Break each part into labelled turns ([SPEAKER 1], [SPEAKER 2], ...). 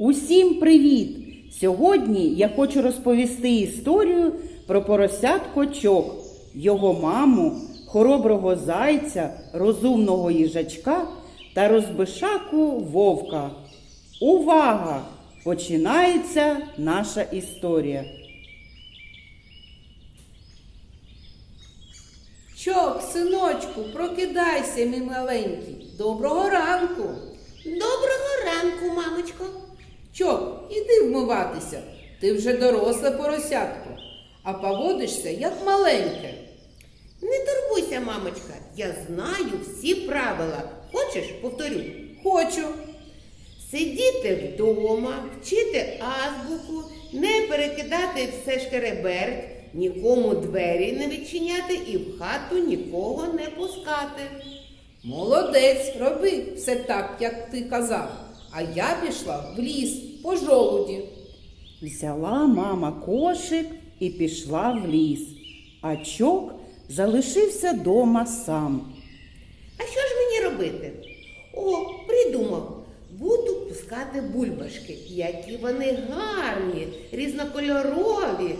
[SPEAKER 1] Усім привіт! Сьогодні я хочу розповісти історію про поросятко Чок, його маму, хороброго зайця, розумного їжачка та розбишаку вовка. Увага! Починається наша історія.
[SPEAKER 2] Чок, синочку, прокидайся, мій маленький. Доброго ранку.
[SPEAKER 3] Доброго ранку, мамочко.
[SPEAKER 2] Чок, іди вмиватися. Ти вже доросле поросятко, а поводишся як маленьке.
[SPEAKER 3] Не турбуйся, мамочка, я знаю всі правила. Хочеш, повторю?
[SPEAKER 2] Хочу.
[SPEAKER 3] Сидіти вдома, вчити азбуку, не перекидати все шкереберть, нікому двері не відчиняти і в хату нікого не пускати.
[SPEAKER 2] Молодець, роби все так, як ти казав. А я пішла в ліс по жолуді.
[SPEAKER 1] Взяла мама кошик і пішла в ліс, а Чок залишився дома сам.
[SPEAKER 3] А що ж мені робити? О, придумав. Буду пускати бульбашки. Які вони гарні, різнокольорові.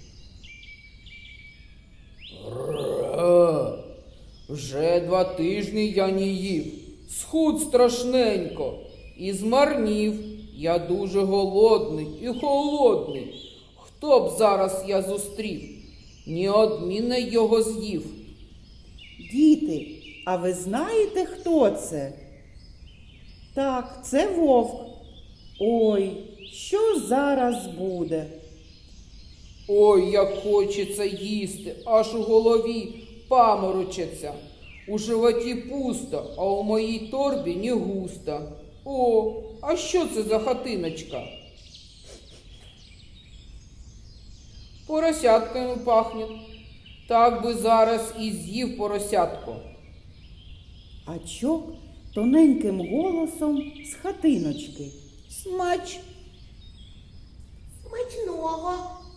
[SPEAKER 4] Вже 2 тижні я не їв, схуд страшненько і змарнів. Я дуже голодний і холодний. Хто б зараз я зустрів, неодмінно його з'їв.
[SPEAKER 1] Діти, а ви знаєте, хто це? Так, це вовк. Ой, що зараз буде?
[SPEAKER 4] Ой, як хочеться їсти, аж у голові паморочиться. У животі пусто, а у моїй торбі не густо. О, а що це за хатиночка? Поросятками пахне. Так би зараз і з'їв поросятко.
[SPEAKER 1] А Чок тоненьким голосом з хатиночки.
[SPEAKER 2] Смач.
[SPEAKER 3] Смачного.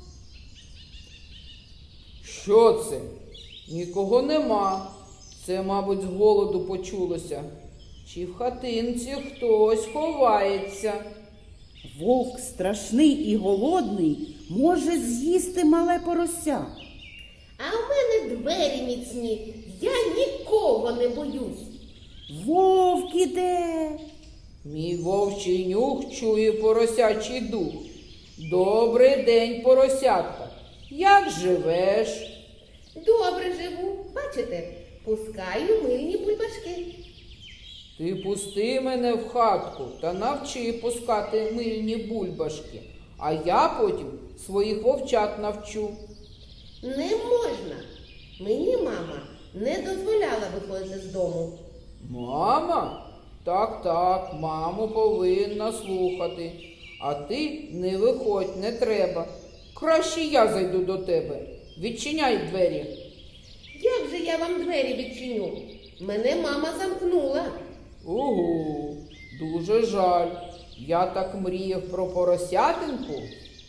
[SPEAKER 4] Що це? Нікого нема. Це, мабуть, з голоду почулося. Чи в хатинці хтось ховається?
[SPEAKER 1] Вовк страшний і голодний може з'їсти мале порося.
[SPEAKER 3] А в мене двері міцні, я нікого не боюсь.
[SPEAKER 1] Вовк іде.
[SPEAKER 4] Мій вовчий нюх чує поросячий дух. Добрий день, поросятка. Як живеш?
[SPEAKER 3] Добре живу, бачите, пускаю мильні бульбашки.
[SPEAKER 4] Ти пусти мене в хатку та навчи пускати мильні бульбашки, а я потім своїх вовчат навчу.
[SPEAKER 3] Не можна. Мені мама не дозволяла виходити з дому.
[SPEAKER 4] Мама? Так, маму повинна слухати. А ти не виходь, не треба. Краще я зайду до тебе. Відчиняй двері.
[SPEAKER 3] Як же я вам двері відчиню? Мене мама замкнула.
[SPEAKER 4] Угу, дуже жаль. Я так мріяв про поросятинку.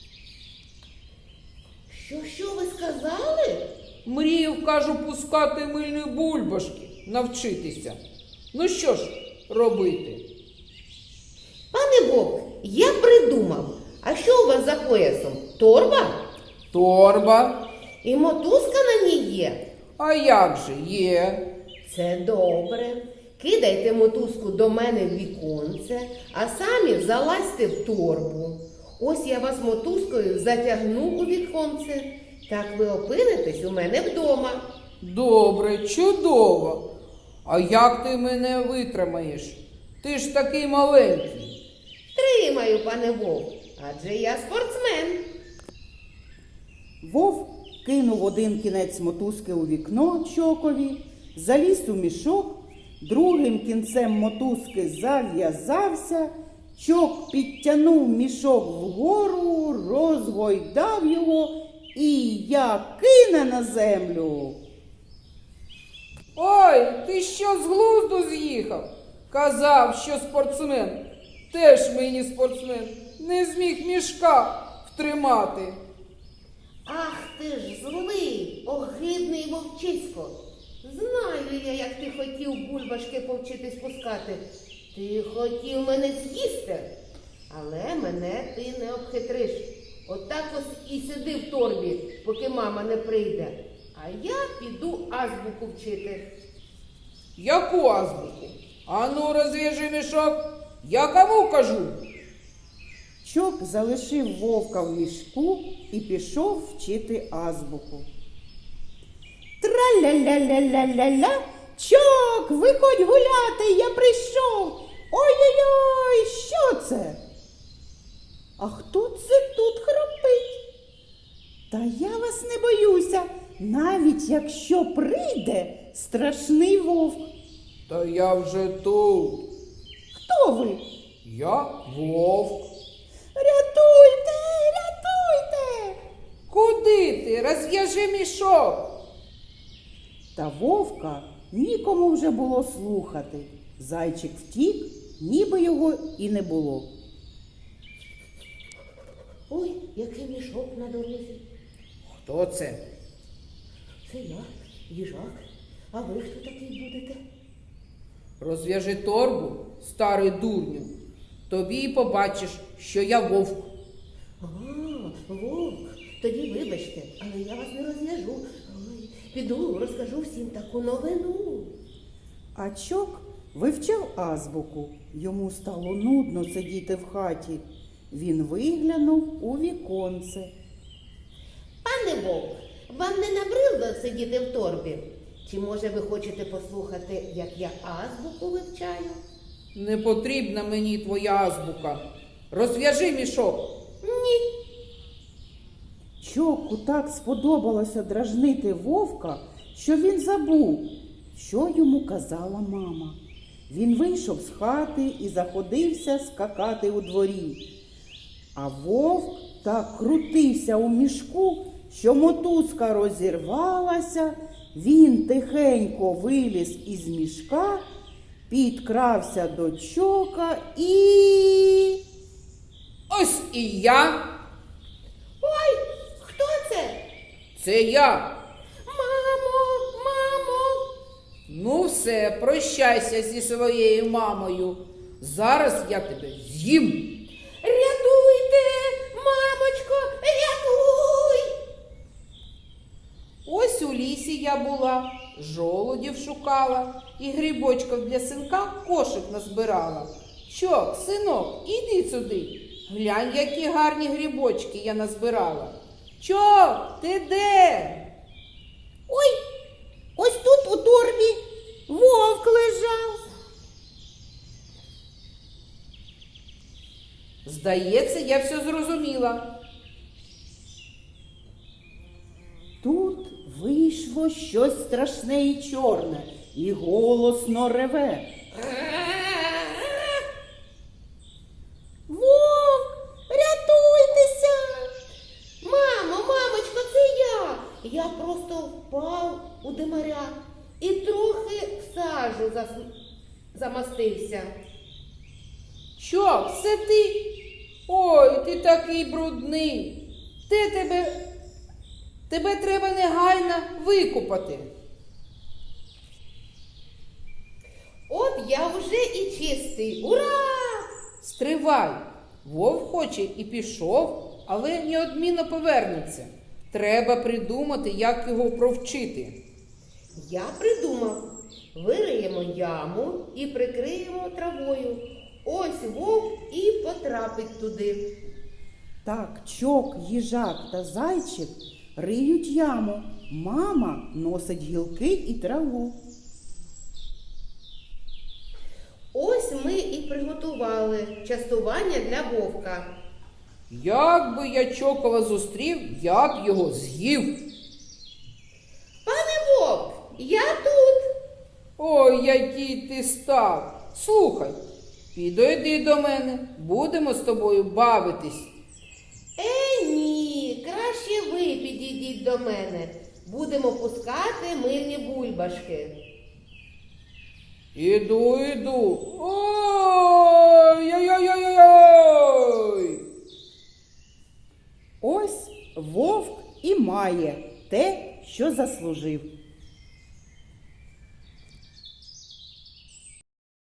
[SPEAKER 3] Що ви сказали?
[SPEAKER 4] Мріяв, кажу, пускати мильні бульбашки, навчитися. Ну що ж робити?
[SPEAKER 3] Пане Вовк, я придумав. А що у вас за поясом? Торба?
[SPEAKER 4] Торба.
[SPEAKER 3] І мотузка на ній є?
[SPEAKER 4] А як же є?
[SPEAKER 3] Це добре. Кидайте мотузку до мене в віконце, а самі залазьте в торбу. Ось я вас мотузкою затягну у віконце. Так ви опинитесь у мене вдома.
[SPEAKER 4] Добре, чудово. А як ти мене витримаєш? Ти ж такий маленький.
[SPEAKER 3] Тримаю, пане Вовк, адже я спортсмен.
[SPEAKER 1] Вовк кинув один кінець мотузки у вікно Чокові, заліз у мішок, другим кінцем мотузки зав'язався, Чок підтягнув мішок вгору, розгойдав його і як кине на землю.
[SPEAKER 4] Ой, ти що з глузду з'їхав? Казав, що спортсмен. Теж мені спортсмен. Не зміг мішка втримати.
[SPEAKER 3] Ах ти ж злий, огидний вовчисько. Знаю я, як ти хотів бульбашки повчитись пускати. Ти хотів мене з'їсти. Але мене ти не обхитриш. Отак ось і сиди в торбі, поки мама не прийде. А я піду азбуку вчити.
[SPEAKER 4] Яку азбуку? Ану, розв'яжи мішок. Я кому кажу?
[SPEAKER 1] Чок залишив вовка в мішку і пішов вчити азбуку. Тра-ля-ля-ля-ля-ля-ля, Чок, виходь гуляти, я прийшов. Ой-ой-ой, що це? А хто це тут хропить? Та я вас не боюся, навіть якщо прийде страшний вовк.
[SPEAKER 4] Та я вже тут.
[SPEAKER 1] Хто ви?
[SPEAKER 4] Я вовк.
[SPEAKER 1] Рятуйте, рятуйте!
[SPEAKER 4] Куди ти? Розв'яжи мішок.
[SPEAKER 1] Та вовка нікому вже було слухати. Зайчик втік, ніби його і не було.
[SPEAKER 3] Ой, який мішок на дорозі.
[SPEAKER 4] Хто це?
[SPEAKER 3] Це я, їжак. А ви хто такий будете?
[SPEAKER 4] Розв'яжи торбу, старий дурню. Тобі й побачиш, що я вовк.
[SPEAKER 3] А, вовк, тоді вибачте, але я вас не розв'яжу. Ой, піду, розкажу всім таку новину.
[SPEAKER 1] А Чок вивчав азбуку. Йому стало нудно сидіти в хаті. Він виглянув у віконце.
[SPEAKER 3] Пане вовк, вам не набридло сидіти в торбі? Чи може ви хочете послухати, як я азбуку вивчаю?
[SPEAKER 4] Не потрібна мені твоя азбука. Розв'яжи мішок.
[SPEAKER 3] Ні.
[SPEAKER 1] Чоку так сподобалося дражнити вовка, що він забув, що йому казала мама. Він вийшов з хати і заходився скакати у дворі. А вовк так крутився у мішку, що мотузка розірвалася. Він тихенько виліз із мішка, підкрався до Чока і...
[SPEAKER 4] Ось і я.
[SPEAKER 3] Ой, хто це?
[SPEAKER 4] Це я.
[SPEAKER 3] Мамо!
[SPEAKER 4] Ну все, прощайся зі своєю мамою. Зараз я тебе з'їм.
[SPEAKER 3] Рятуйте, мамочко, рятуй!
[SPEAKER 4] Ось у лісі я була, жолудів шукала і грибочків для синка кошик назбирала. Чок, синок, іди сюди. Глянь, які гарні грибочки я назбирала. Чок, ти де?
[SPEAKER 1] Ой, ось тут у торбі вовк лежав.
[SPEAKER 4] Здається, я все зрозуміла.
[SPEAKER 1] Тут вийшло щось страшне і чорне, і голосно реве. Вовк, рятуйтеся!
[SPEAKER 3] Мамочко, це я! Я просто впав у димаря і трохи в сажу замастився.
[SPEAKER 4] Чок, це ти? Ой, ти такий брудний. Тебе треба негайно викупати.
[SPEAKER 3] От я вже і чистий. Ура!
[SPEAKER 4] Стривай. Вовк хоче і пішов, але неодмінно повернеться. Треба придумати, як його провчити.
[SPEAKER 3] Я придумав. Вириємо яму і прикриємо травою. Ось вовк і потрапить туди.
[SPEAKER 1] Так Чок, їжак та зайчик риють яму. Мама носить гілки і траву.
[SPEAKER 3] Ось ми і приготували частування для вовка.
[SPEAKER 4] Як би я Чокова зустрів, я б його з'їв.
[SPEAKER 3] Пане вовк, я тут.
[SPEAKER 4] Ой, який ти став. Слухай, підійди до мене, будемо з тобою бавитись.
[SPEAKER 3] Ні, краще ви підійдіть до мене. Будемо пускати мирні бульбашки.
[SPEAKER 4] Іду. Ой-ой-ой-ой-ой!
[SPEAKER 1] Ось вовк і має те, що заслужив.